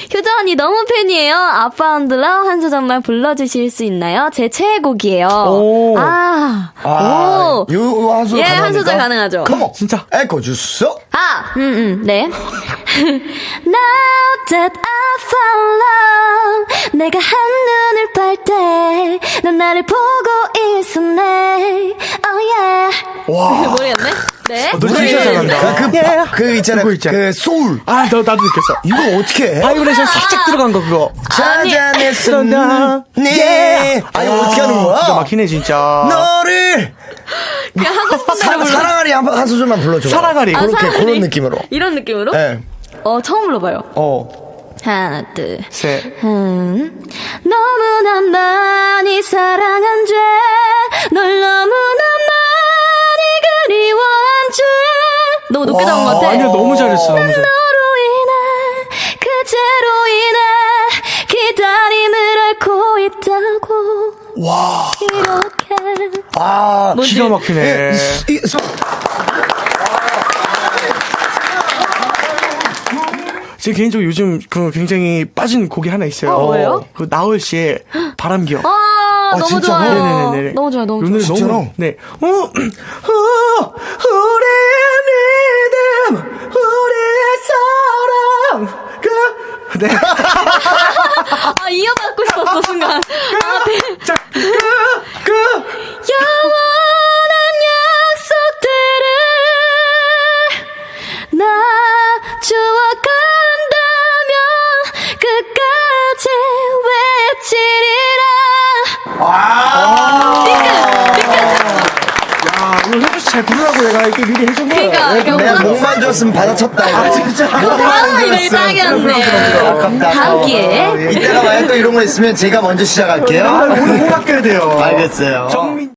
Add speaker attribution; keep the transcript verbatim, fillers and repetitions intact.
Speaker 1: 효정 언니 너무 팬이에요. 아빠운들러 한 소절만 불러주실 수 있나요? 제 최애곡이에요.
Speaker 2: 오.
Speaker 1: 아,
Speaker 2: 아,
Speaker 1: 오.
Speaker 2: 요, 한 소절
Speaker 1: 예,
Speaker 2: 가능합니까?
Speaker 1: 한 소절 가능하죠.
Speaker 2: 컴온.
Speaker 3: 진짜.
Speaker 2: 에코 주소.
Speaker 1: 아, 음, 음, 네. Now that I found love, 내가 한눈을 팔 때, 넌 나를 보고 있었네. Oh yeah.
Speaker 2: 와.
Speaker 1: 모르겠네? 네.
Speaker 3: 너 진짜 잘한다.
Speaker 2: 그, 그,
Speaker 3: 예.
Speaker 2: 그 있잖아.
Speaker 3: 그거 있잖아.
Speaker 2: 그 소울.
Speaker 3: 아, 너, 나도 느꼈어.
Speaker 2: 이거 어떻게 해?
Speaker 3: 바이브레이션 살짝 들어간 거, 그거.
Speaker 2: 찾아냈어.
Speaker 3: 나.
Speaker 2: 네. 아니, 어떻게 하는 거야?
Speaker 3: 기가 막히네, 진짜.
Speaker 2: 너를.
Speaker 1: 그냥 하고 싶은
Speaker 2: 사,
Speaker 1: 대로 불러.
Speaker 2: 사랑하리 한, 한 소절만 불러줘.
Speaker 3: 사랑하리.
Speaker 1: 아,
Speaker 2: 그렇게,
Speaker 1: 사랑하리.
Speaker 2: 그런 느낌으로.
Speaker 1: 이런 느낌으로?
Speaker 2: 예.
Speaker 1: 어, 처음 불러봐요.
Speaker 2: 어.
Speaker 1: 하나, 둘,
Speaker 3: 셋.
Speaker 1: 음, 너무나 많이 사랑한 죄, 널 너무나 많이 그리워한 죄. 너무 높게 잡은 것 같아.
Speaker 3: 아니야, 너무 잘했어, 너무 잘했어.
Speaker 1: 너로 인해, 그제로 인해, 기다림을 앓고 있다고.
Speaker 2: 와.
Speaker 1: 이렇게.
Speaker 2: 아.
Speaker 1: 뭐지?
Speaker 3: 기가 막히네.
Speaker 2: 예, 이, 이, 소,
Speaker 3: 제 개인적으로 요즘 그 굉장히 빠진 곡이 하나 있어요.
Speaker 1: 어, 뭐예요?
Speaker 3: 그 나얼 씨의 바람기억.
Speaker 1: 아, 너무
Speaker 2: 진짜?
Speaker 1: 좋아요.
Speaker 3: 네네네네.
Speaker 1: 너무 좋아요, 너무
Speaker 3: 오늘
Speaker 1: 좋아요.
Speaker 2: 진짜로?
Speaker 3: 너무 네. 어, 어, 우리의 믿음, 우리의 사랑. 그 네.
Speaker 1: 아, 이어받고 싶었어, 순간. 아, 네.
Speaker 3: 자, 그, 그.
Speaker 1: 영원한 약속들을 나 주워간다면 끝까지 외치리라.
Speaker 2: 와.
Speaker 3: 야, 이거 혜주 씨 잘 부르라고 내가 이렇게 미리 해준 거야.
Speaker 1: 그러니까, 이거
Speaker 2: 내가
Speaker 1: 음악-
Speaker 2: 목만 줬으면 받아쳤다. 이거.
Speaker 3: 아, 진짜.
Speaker 1: 아, 이거 딱이었네.
Speaker 2: 아깝다.
Speaker 1: 다음 기회에.
Speaker 2: 어, 이따가 만약 또 이런 거 있으면 제가 먼저 시작할게요.
Speaker 3: 아, 오늘 꼭 아껴야 돼요.
Speaker 2: 알겠어요.
Speaker 3: 정민.